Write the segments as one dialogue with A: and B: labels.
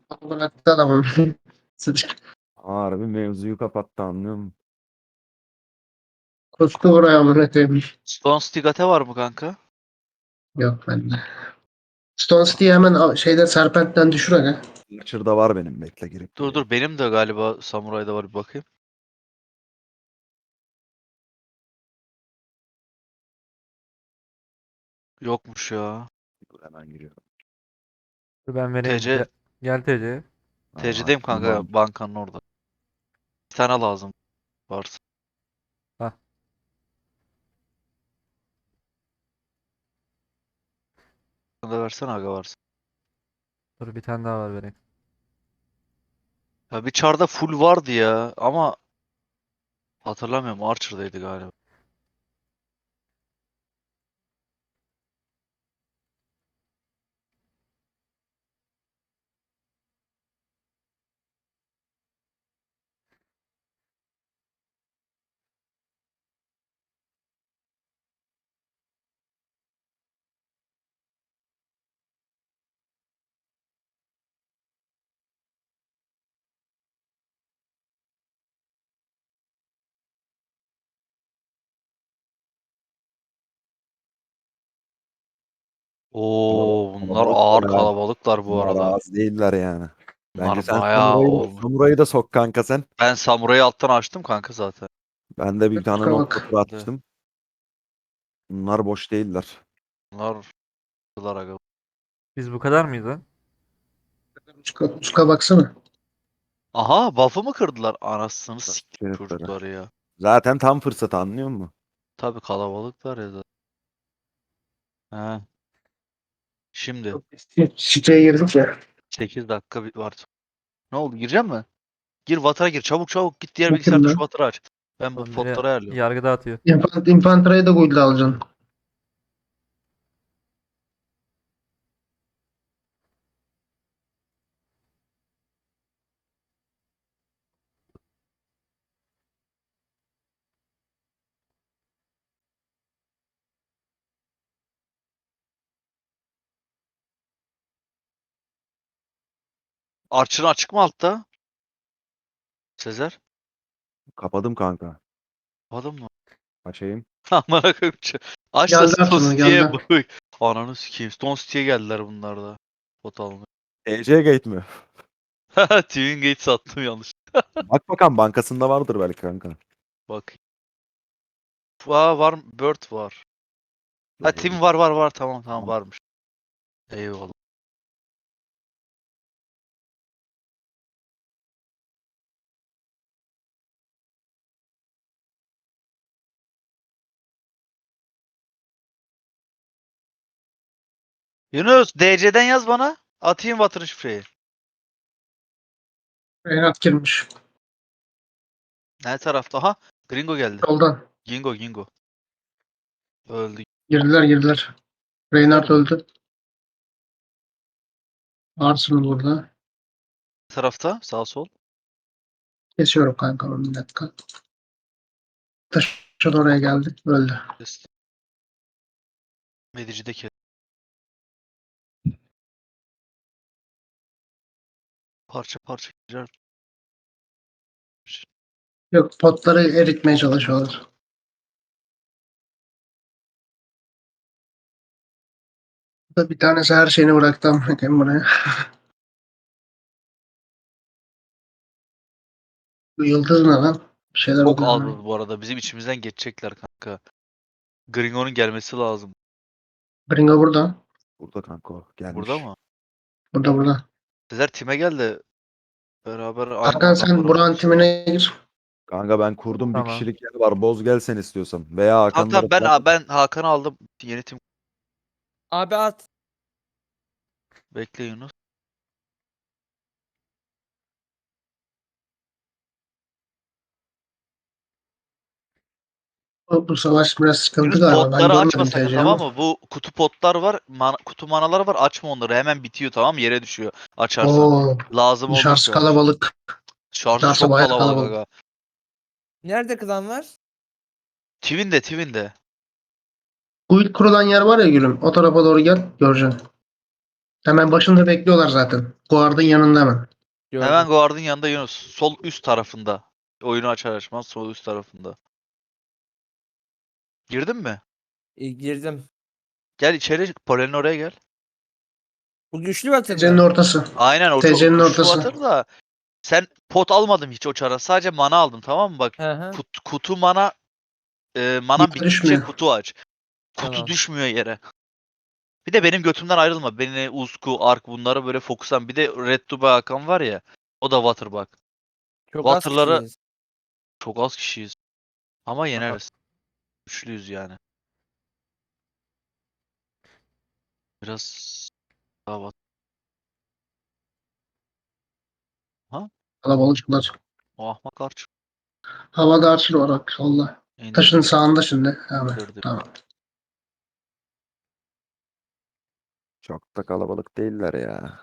A: Bıraktı adamı.
B: Harbi mevzuyu kapattı, anlıyor musun?
A: Koştu oraya amına koyayım.
C: Stone Stigate var mı kanka?
A: Yok bende. Stone City'yi hemen şeyde Serpent'ten düşür aga.
B: Archer'da var benim, bekle girip
C: Dur
B: geleyim.
C: dur benim de galiba Samuray'da var bir bakayım. Yokmuş ya.
B: Dur, hemen giriyorum.
D: Dur ben vereyim.
C: TC
D: Gel TC.
C: TC'deyim kanka
B: Tamam.
C: bankanın orada. Bir tane lazım varsa.
D: Hah.
C: Bana da versene aga varsa.
D: Dur bir tane daha var vereyim.
C: Ya bir çarda full vardı ya ama hatırlamıyorum Archer'daydı galiba. Oo bunlar
B: Kalabalıklar
C: ağır
B: ha.
C: kalabalıklar bu
B: Bunlar
C: arada.
B: az değiller yani. Bence
C: Bunlar
B: sen
C: bayağı olmuş.
B: Samuray'ı da sok kanka sen.
C: Ben Samuray'ı alttan açtım kanka zaten.
B: Ben de bir tane
A: Kusura
B: nokta
A: bak.
B: tur atmıştım. Bunlar boş değiller.
C: Bunlar aga.
D: Biz bu kadar mıyız lan?
A: Çuka baksana.
C: Aha buff'ı mı kırdılar? Anasını
B: Nasıl
C: siktir
B: herifleri.
C: çocukları ya.
B: Zaten tam fırsat, anlıyor musun?
C: Tabii kalabalıklar ya zaten. He. Şimdi
A: Siteye girdik ya.
C: 8 dakika var. Ne oldu? Gireceğim mi? Gir Water'a gir. Çabuk çabuk git diğer
A: Bakayım
C: bilgisayarda şu
A: ben.
C: Water'ı aç. Ben bu
D: Oğlum biri
C: potları ayarlıyorum.
D: yargı dağıtıyor.
A: Infantera'yı da guild'e alacaksın.
C: Archer'ın açık mı altta? Sezer.
B: Kapadım kanka.
C: Adam mı?
B: Açayım.
C: Amına koyayım. Aç da
A: Geldi
C: Stone
A: Arsenal
C: City'ye
A: geldi.
C: bak. Ananı sikeyim. Stone City'ye geldiler bunlar da. Pot almaya.
B: TC Gate mi?
C: Twin Gate sattım yanlış.
B: Bak bakalım, bankasında vardır belki kanka.
C: Bak. Var. Bird var. Ha
B: Dur,
C: Tim var. Tamam
B: Tamam.
C: varmış. Eyvallah. Yunus DC'den yaz bana. Atayım Water şifreyi.
A: Reynat girmiş.
C: Ne tarafta? Aha. Gringo geldi.
A: Soldan.
C: Gingo. Öldü.
A: Girdiler.
C: Girdiler
A: Reynard
C: mi?
A: öldü. Arsenal burada.
C: Ne tarafta? Sağ sol.
A: Kesiyorum kanka onu bir dakika. Taşa da oraya geldi. Öldü.
C: Kes. Medici'deki. Parça girer.
A: Yok potları eritmeye çalışıyorlar. Burada bir tanesi her şeyini bıraktı amına koyayım buraya. Bu yıldız ne lan? Bir şeyler
C: Çok
A: oluyor
C: az
A: ona.
C: bu arada. Bizim içimizden geçecekler kanka. Gringo'nun gelmesi lazım.
A: Gringo burada.
B: Burada kanka o. Gelmiş.
C: Burada mı?
A: Burada.
C: Sezer time gel de beraber aynı
A: Hakan sen
C: adamları
A: Burak'ın
C: vururuz.
A: timine gir.
B: Kanka ben kurdum, bir
D: Tamam.
B: kişilik yer var. Boz gel sen istiyorsan. Veya
C: Tamam
B: Hakan'ları
C: tamam
B: falan.
C: ben Hakan'ı aldım. Yeni tim.
E: Abi at.
C: Bekle Yunus.
A: Bu savaş biraz sıkıntı
C: Yunus
A: galiba. Ben
C: potları açma
A: görmedim
C: sakın
A: TC'yi
C: tamam
A: ama.
C: mı? Bu kutu potlar var. Kutu manaları var. Açma onları. Hemen bitiyor tamam mı? Yere düşüyor. Açarsan.
A: Oo,
C: Lazım
A: dışarısı
C: olursa.
A: kalabalık.
C: Şarjı
A: Dışarısı
C: çok
A: bayağı
C: kalabalık
A: kalabalık.
C: aga.
E: Nerede klan var?
C: Twin'de.
A: Guild kurulan yer var ya gülüm. O tarafa doğru gel. Göreceksin. Hemen başında bekliyorlar zaten. Guard'ın yanında hemen.
E: Gördüm.
C: Hemen guard'ın yanında Yunus. Sol üst tarafında. Oyunu açar açmaz sol üst tarafında. Girdin mi?
E: Girdim.
C: Gel içeri. Polen'in oraya gel.
E: Bu güçlü batır
A: Gecenin
E: mı?
A: ortası.
C: Aynen o
A: TC'nin
C: şu
A: ortası.
C: atır da sen pot almadın hiç o çara. Sadece mana aldın tamam mı? Bak
E: Hı hı.
C: kutu mana manan
A: Yukarı
C: bittikçe
A: düşmüyor.
C: kutu aç. Kutu
E: Tamam.
C: düşmüyor yere. Bir de benim götümden ayrılma. Beni Uzku, Ark bunlara böyle fokuslan. Bir de Red Dubai Hakan var ya. O da Water bak.
E: Çok az
C: Water'ları
E: kişiyiz.
C: çok az kişiyiz. Ama yeneriz. Güçlüyüz yani. Biraz daha Water.
A: Kalabalıklar.
C: O ahmaklar çıktı.
A: Havada Archer var bak solda. Taşın
C: İndirdim.
A: sağında şimdi. Hemen.
C: İndirdim.
A: Tamam.
B: Çok da kalabalık değiller ya.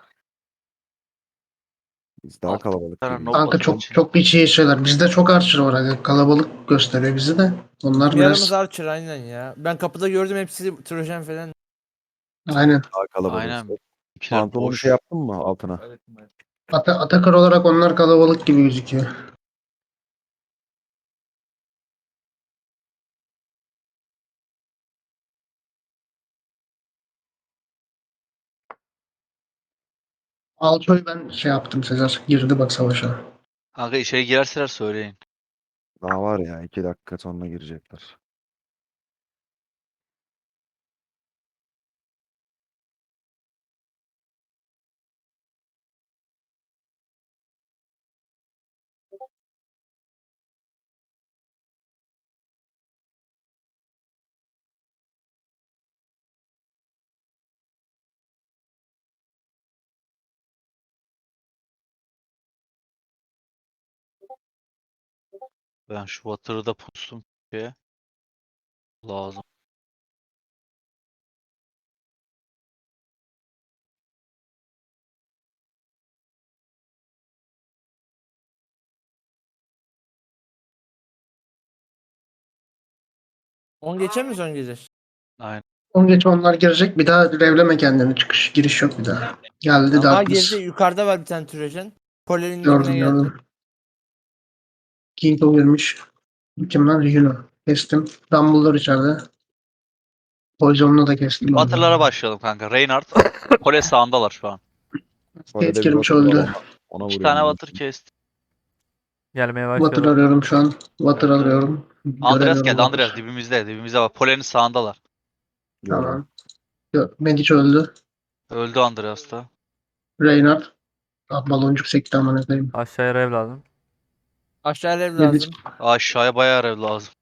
B: Biz daha
C: Altı
B: kalabalık
C: tane
B: gibiyiz.
C: nob
A: Kanka
C: batır
A: çok
C: için.
A: çok bir şey şeyler. Bizde çok Archer var. Hani kalabalık gösteriyor bizi de. Onlar
E: Bizim yarımız
A: biraz
E: Archer aynen ya. Ben kapıda gördüm hepsi Trojan falan.
A: aynen.
B: Daha kalabalığız.
C: Aynen. İkiler
B: Pantolonu
C: boş.
B: şey yaptın mı altına?
A: Atakar olarak onlar kalabalık gibi gözüküyor. Alço'yu ben şey yaptım Sezer. Girdi bak savaşa.
C: Kanka içeri girerseler söyleyin.
B: Daha var ya 2 dakika sonra girecekler.
C: Ben şu Water'ı da pustum şeye. Lazım.
E: On geçer mi son gelir?
C: Aynen.
A: On geç onlar girecek. Bir daha revleme kendini. Çıkış giriş yok bir daha. Geldi
E: Ama
A: Darkness.
E: geride yukarıda var bir tane Trojan. Polerin
A: Gördüm
E: dibine geldi.
A: gördüm. King girmiş. Kim lan? Ryuno. Kestim. Dumbledore içeride. Poison'unu da kestim.
C: Water'lara başlayalım kanka. Reinhardt. Kole sağındalar şu an.
A: Kate
B: Orada bir
A: girmiş
B: Water var,
A: öldü.
B: ona
C: İki
B: vuruyorum
C: tane
B: ben.
C: Water kesti.
D: Gelmeye
A: Water
D: başlıyorlar.
A: arıyorum şu an. Water
C: Öldü.
A: arıyorum.
C: Andreas
A: Göremiyorum
C: geldi. Andreas
A: Water.
C: dibimizde. Dibimizde bak. Polen'in sağındalar.
B: Gördüm.
A: Tamam. Medic öldü.
C: Öldü Andreas da.
A: Reynard. Ah, baloncuk sekti aman efendim.
D: Aşağıya rev lazım.
E: Aşağı ev
A: Medic.
E: lazım.
C: Aşağıya bayağı rev lazım.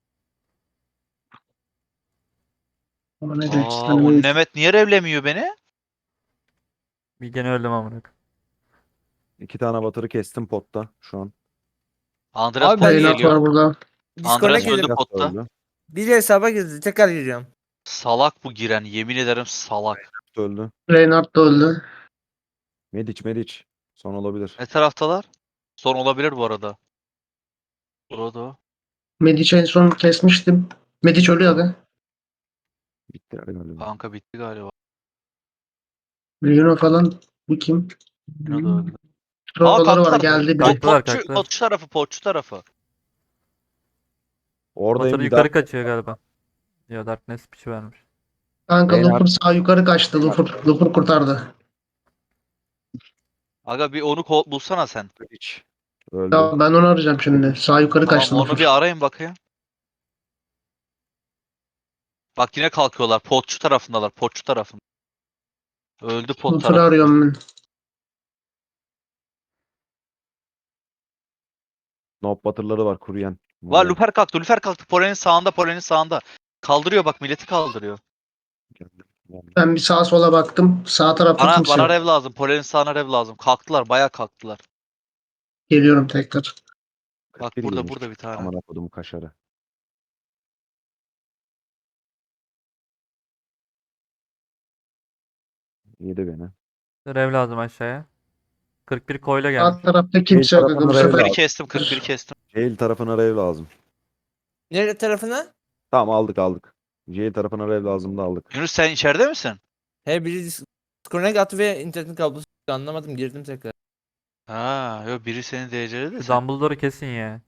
A: Ama ne diyor?
C: Aa,
A: Hani
C: o
A: Medic.
C: Nemet niye revlemiyor beni?
D: Bir gene öldüm amına.
B: 2 tane Water'ı kestim potta şu an.
C: Andreas
E: Abi ben
C: pot
A: Reynard
C: geliyor.
A: var burada.
E: Discord'a
C: Andreas
E: girdim.
C: öldü
B: Biraz
C: potta.
B: öldü.
E: Bir hesaba girdi. Tekrar giriyorum.
C: Salak bu giren. Yemin ederim salak.
B: Öldü.
A: Reynard da öldü.
B: Medic. Son olabilir.
C: Ne taraftalar? Son olabilir bu arada. Burada o.
A: Medic'i en son kesmiştim. Medic ölüyor abi.
B: Bitti galiba.
C: Kanka bitti galiba.
A: Ryuno falan. Bu kim?
C: Yine de öldü.
A: Trollları var
C: kalktılar.
A: geldi
C: Pot,
A: biri.
D: Kalktılar,
C: potçu,
D: kalktılar.
C: potçu tarafı, potçu tarafı.
B: Oradayım
D: Water
B: bir daha.
D: yukarı kaçıyor galiba. Ya Darkness piçi vermiş.
A: Kanka
B: Reynard.
A: Lupur sağ yukarı kaçtı. Lupur kurtardı.
C: Aga bir onu bulsana sen.
B: Medic. Öldü.
A: Ya ben onu arayacağım şimdi. Sağ yukarı
C: Tamam
A: kaçtı
C: onu
A: Lupur.
C: bir arayın bakayım. Bak yine kalkıyorlar. Potçu tarafındalar. Potçu tarafında. Öldü pot
A: Lupur'u
C: tarafı.
A: arıyorum ben.
B: Nob Water'ları var kuruyen.
C: Var
B: Burada.
C: Luper kalktı. Luper kalktı. Polen'in sağında. Polen'in sağında. Kaldırıyor bak milleti kaldırıyor.
B: Geldim.
A: Ben bir sağa sola baktım. Sağ tarafta
C: Bana,
A: kimse
C: bana
A: yok.
C: rev lazım. Polen'in sağına rev lazım. Kalktılar. Bayağı kalktılar.
A: Geliyorum tekrar.
C: Bak
B: 41
C: burada
B: girmiş.
C: burada bir tane.
B: Aman kodumu kaşarı. Yedi beni.
D: Rev lazım aşağıya. 41 koyla gelmiş.
A: Sağ tarafta kimse yok.
B: tarafında
A: Bu
B: rev
A: sefer
C: 41'i
B: lazım.
C: kestim. 41'i kestim.
B: Jail tarafına rev lazım.
E: Nerede tarafına?
B: Tamam aldık. Jail tarafına rev lazım da aldık.
C: Yunus sen içeride misin?
E: He biri Connect attı ve internetin kablosu çıktı. Anlamadım, girdim tekrar.
C: Ha, yok biri seni DC'ledi de
D: Şu
C: sen.
D: Dumbledore'u kesin ya.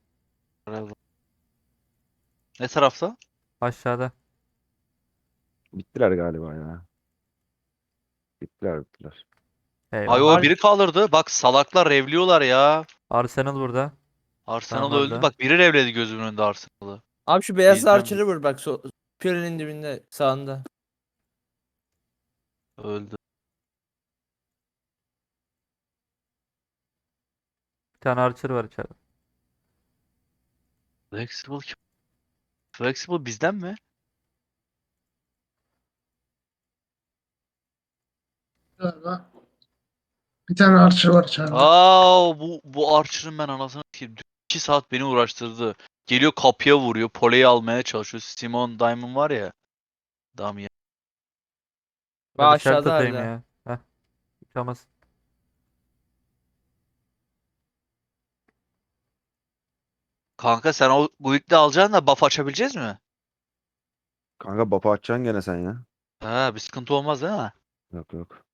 C: Ne tarafta?
D: Aşağıda.
B: Bittiler galiba ya. Bittiler.
C: Ay
D: Eyvah.
C: o biri kaldırdı. Bak salaklar revliyorlar ya.
D: Arsenal burada.
C: Arsenal
D: Tamam,
C: öldü.
D: öldü.
C: Bak biri revledi gözümün önünde Arsenal'ı.
E: Abi şu beyaz
C: Bilmem.
E: archer'ı vur bak. Piyonerin dibinde sağında.
C: Öldü.
D: Bir tane Archer var içeride.
C: Flexible kim? Flexible bizden mi?
A: Galiba. Bir tane Archer var içeride.
C: Aa bu Archer'ın ben anasını satayım. 2 saat beni uğraştırdı. Geliyor kapıya vuruyor. Poleyi almaya çalışıyor. Simon Diamond var ya. Damien.
E: Bak
D: Ben işaret
E: aşağıda
D: atayım
E: hala.
D: ya. Heh. Yıkamaz.
C: Kanka sen o Guild'i alacaksın da buff açabileceğiz mi?
B: Kanka bapa açacaksın gene sen ya.
C: Ha bir sıkıntı olmaz değil mi?
B: Yok.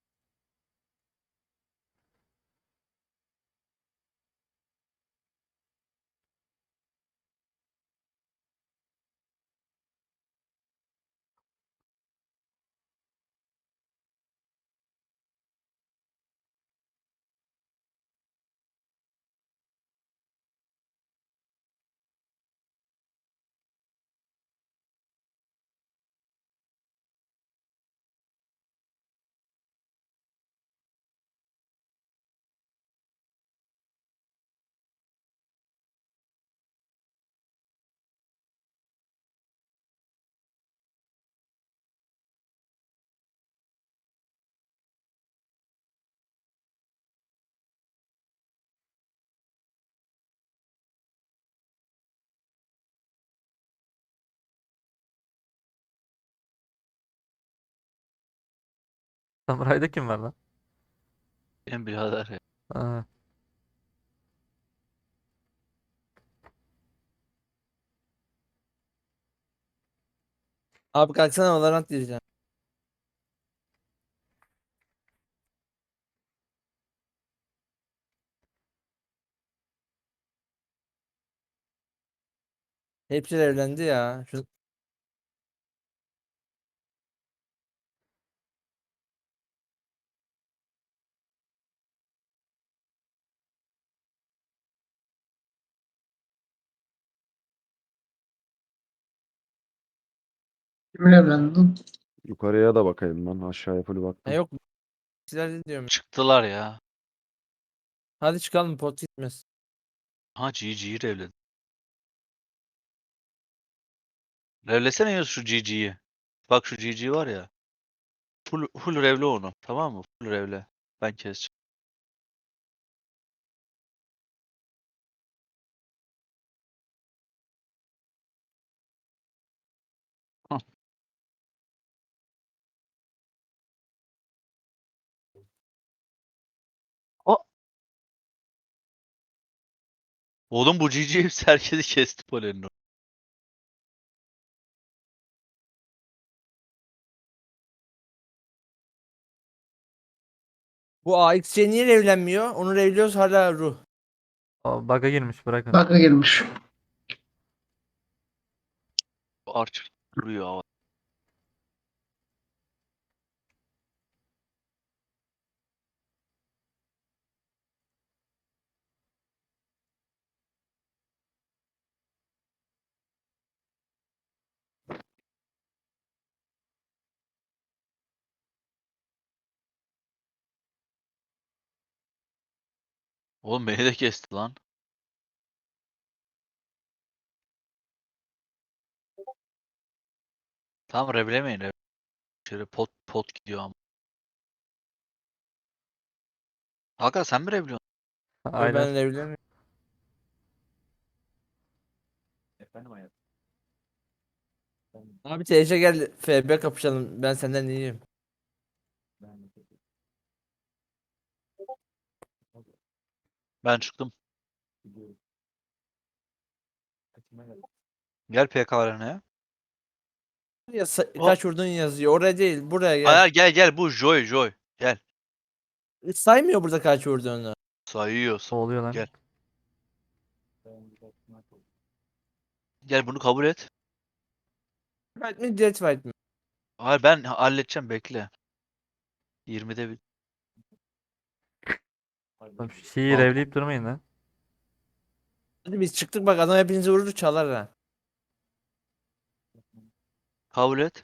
D: Samuray'da kim var lan?
C: Benim birader ya.
D: Aa,
E: Abi kalksana, Valorant diyeceğim. Hepsi evlendi ya.
A: Kimin evlendin?
B: Yukarıya da bakayım ben. Aşağıya full baktım.
E: Yok. Sizler diyorum.
C: Çıktılar ya.
E: Hadi çıkalım, pot gitmez.
C: Ha GG'yi revledi. Revlesene ya şu GG'yi. Bak şu GG var ya. Full revle onu. Tamam mı? Full revle. Ben keseceğim. Hah. O- Oğlum bu GG hepsi herkesi kesti polenin.
E: Bu AXC niye evlenmiyor? Onu evliyoruz hala ruh.
D: o bug'a girmiş, bırakın.
A: Bug'a girmiş.
C: Archer duruyor hava. Oğlum beni de kesti lan. Tamam revlemeyin. Şöyle pot gidiyor ama. Hakan sen mi revliyorsun?
E: Ben
D: Aynen.
E: evlenmiyorum. Abi TC gel, FB kapışalım. Ben senden iyiyim.
C: Ben çıktım. Gel PK arenaya.
E: Ya
C: O-
E: kaç vurdun yazıyor. Oraya değil, buraya gel.
C: Hayır gel bu Joy. Gel.
E: Saymıyor burada kaç vurduğunu.
C: Sayıyorsun.
D: Oluyor lan.
C: Gel. Gel bunu kabul et.
E: Fight mi Death Fight mi?
C: Hayır ben halledeceğim bekle. 20'de bir.
D: Oğlum şu şeyi
C: Al.
D: revleyip durmayın lan.
E: Hadi biz çıktık bak adam hepinizi vurur çalar ha.
C: Kabul et.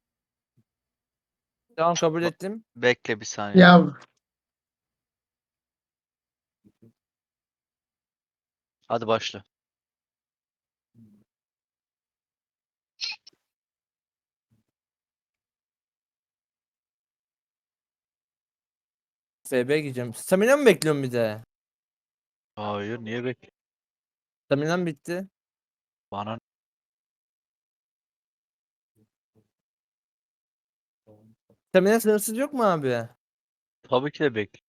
E: Tamam kabul ettim.
C: Bekle bir saniye.
A: Ya
C: Hadi başla.
E: FB gideceğim. Stamina mı bekliyorum bir de?
C: Hayır niye bekle?
E: Stamina'm bitti.
C: Bana
E: Stamina sınırsız yok mu abi?
C: tabii ki de bekle.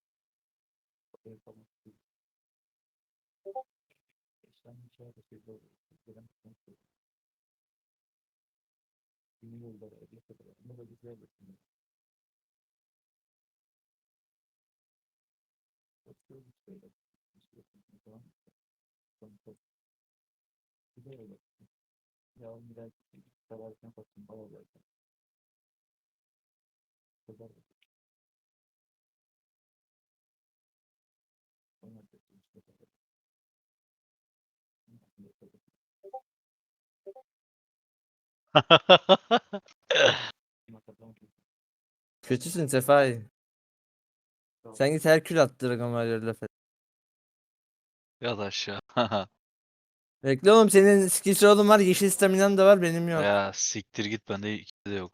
E: Kötüsün Sefai. Sen git Herkül at Dragon Warrior'la falan.
C: Yat aşağı.
E: Bekle oğlum senin skill slot'un var. Yeşil stamina'm da var benim yok.
C: Ya siktir git bende ikisi de yok.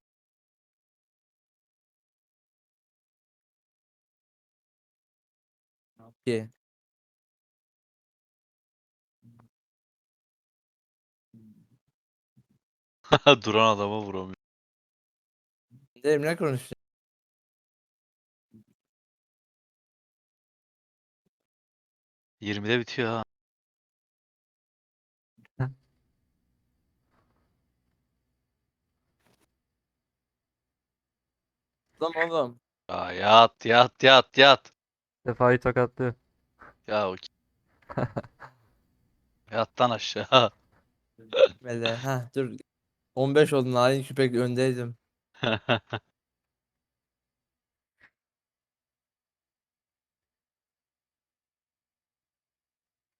E: Ki.
C: Duran adama vuramıyor.
E: Emre konuştu.
C: Yirmide bitiyor ha.
E: Lan oğlum.
C: Ya yat yat yat yat.
D: Sefa'yı tokatlıyor.
C: Ya o yattan aşağı.
E: Mele. Ha dur. 15 oldun. Hain küpek öndeydim.